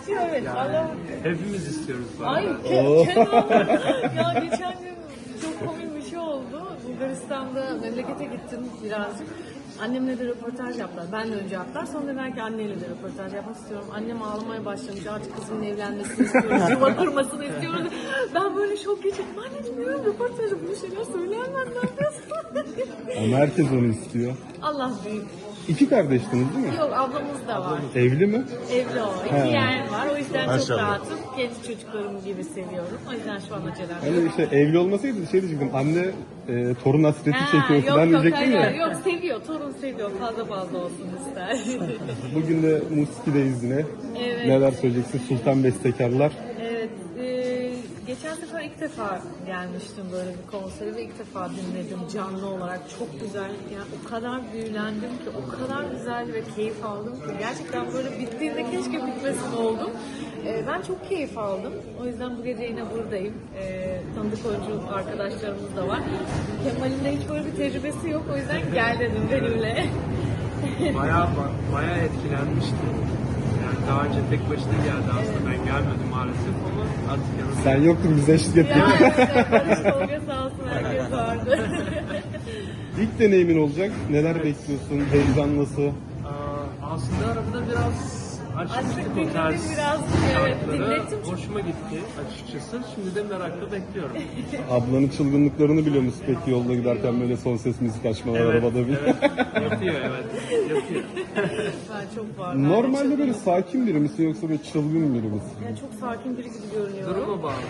istiyor evet. Allah. Hepimiz istiyoruz. Ay ya geçen gün çok komik bir şey oldu. Bulgaristan'da memlekete gittim birazcık. Annemle de röportaj yaptılar. Ben de önce yaptılar. Sonra dediler ki anneyle de röportaj yapmak istiyorum. Annem ağlamaya başlamış. Artık kızımın evlenmesini istiyoruz. Yuva kurmasını istiyoruz. Ben böyle şok geçirdim. Anneciğim diyorum röportajda bunu şeyler söyleyemem. Ne yapıyorsun? Ama herkes onu istiyor. Allah büyük. İki kardeştiniz değil mi? Yok ablamız da var. Evli mi? Evli o. İki He. yeğen var. O yüzden çok Maşallah. rahatım. Kendi çocuklarım gibi seviyorum. O yüzden şu an acelem yok. Hani işte evli olmasaydı şey diyecektim. Anne torun hasreti çekiyor yok falan yok diyecektim hayır, ya. yok seviyor. Torun seviyor. Fazla fazla olsun ister. Bugün de Muski'deyiz yine. Evet. Neler söyleyeceksin? Sultan Bestekarlar. Evet. Geçen sefer ilk defa gelmiştim böyle bir konsere ve ilk defa dinledim canlı olarak. Çok güzel. Yani o kadar büyülendim ki, o kadar güzel ve keyif aldım ki. Gerçekten böyle bittiğinde keşke bitmesin oldum. Ben çok keyif aldım. O yüzden bu gece yine buradayım. Tanıdık oyuncu arkadaşlarımız da var. Kemal'in de hiç böyle bir tecrübesi yok. O yüzden gel dedim benimle. Bayağı etkilenmiştim. Yani daha önce tek başına geldi aslında. Ben gelmedim maalesef ama artık yanımda. Sen yoktun bize eşlik ettin. Ya evet, Barış Tolga sağ olsun herkes vardı. İlk deneyimin olacak. Neler bekliyorsun? Heyecan nasıl? Aslında arabada biraz açmıştık o dinledim tarz biraz, evet, şarkıları. dinlettim. Hoşuma gitti açıkçası. Şimdi de merakla bekliyorum. Ablanın çılgınlıklarını biliyor musun peki yolda giderken böyle son ses müzik açmalar arabada bir? evet. Yapıyor evet. Yapıyor. Ben çok var. Ben de Normalde çok- böyle sakin biri misin yoksa böyle çılgın biri misin? Yani çok sakin biri gibi görünüyorum. Duruma bağlı.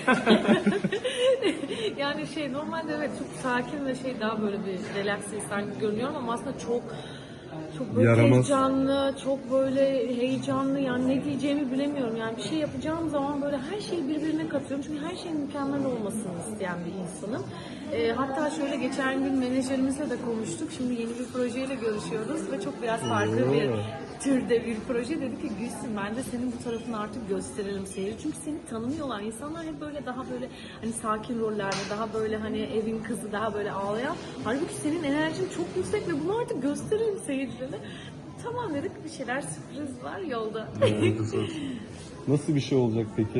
Yani normalde evet çok sakin ve daha böyle bir relax insan gibi görünüyorum ama aslında çok böyle Yaramaz. heyecanlı, çok böyle heyecanlı yani ne diyeceğimi bilemiyorum. Yani bir şey yapacağım zaman böyle her şeyi birbirine katıyorum. Çünkü her şeyin mükemmel olmasını isteyen bir insanım. Hatta şöyle geçen gün menajerimizle de konuştuk. Şimdi yeni bir projeyle görüşüyoruz ve çok biraz farklı bir türde bir proje. Dedi ki Gülsün ben de senin bu tarafını artık gösterelim seyirci. Çünkü seni tanımıyorlar. İnsanlar hep böyle daha böyle hani sakin rollerde, daha böyle hani evin kızı, daha böyle ağlayan. Halbuki senin enerjin çok yüksek ve bunu artık gösterelim seyircilere. Tamam dedik bir şeyler sürpriz var yolda. Nasıl bir şey olacak peki?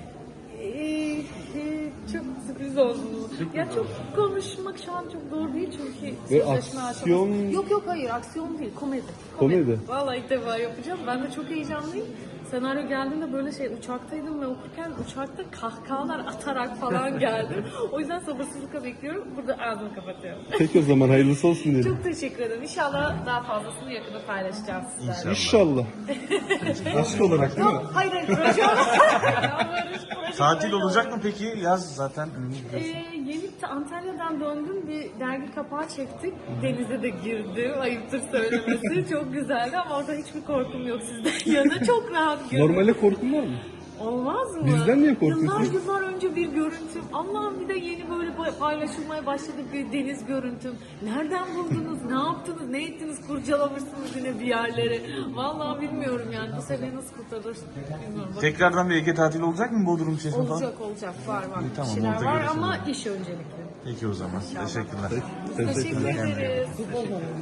Çok sürpriz oldu. Ya çok konuşmak şu an çok doğru değil çünkü Ve sözleşme aksiyon- aşaması. Yok hayır aksiyon değil komedi. Komedi. Vallahi ilk defa yapacağım. Ben de çok heyecanlıyım. Senaryo geldiğinde böyle uçaktaydım ve okurken uçakta kahkahalar atarak falan geldim. O yüzden sabırsızlıkla bekliyorum. Burada ağzımı kapatıyorum. Peki o zaman hayırlısı olsun diyelim. Çok teşekkür ederim. İnşallah daha fazlasını yakında paylaşacağım sizlerle. İnşallah. Aşk olarak değil mi? Yok hayır proje Tatil olacak mı peki? Yaz zaten önümüzde. Yeni Antalya'dan döndüm. Bir dergi kapağı çektik. Denize de girdim. Ayıptır söylemesi. Çok güzeldi ama orada hiçbir korkum yok sizden yana. Çok rahat girdim. Normale korkun var mı? Olmaz mı? Bizden niye korkuyorsun? Yıllar önce bir görüntüm. Allah'ım bir de yeni böyle paylaşılmaya başladı bir deniz görüntüm. Nereden buldunuz? Ne yaptınız? Ne ettiniz? Kurcalamışsınız yine bir yerleri. Vallahi bilmiyorum yani. Bu sefer nasıl kurtarır? Bilmiyorum. Tekrardan bir Ege tatili olacak mı Bodrum içerisinde falan? Olacak. Var. İyi, tamam, Bir şeyler orada var görüşelim. ama iş öncelikli. Peki o zaman. Teşekkürler. Teşekkür ederiz.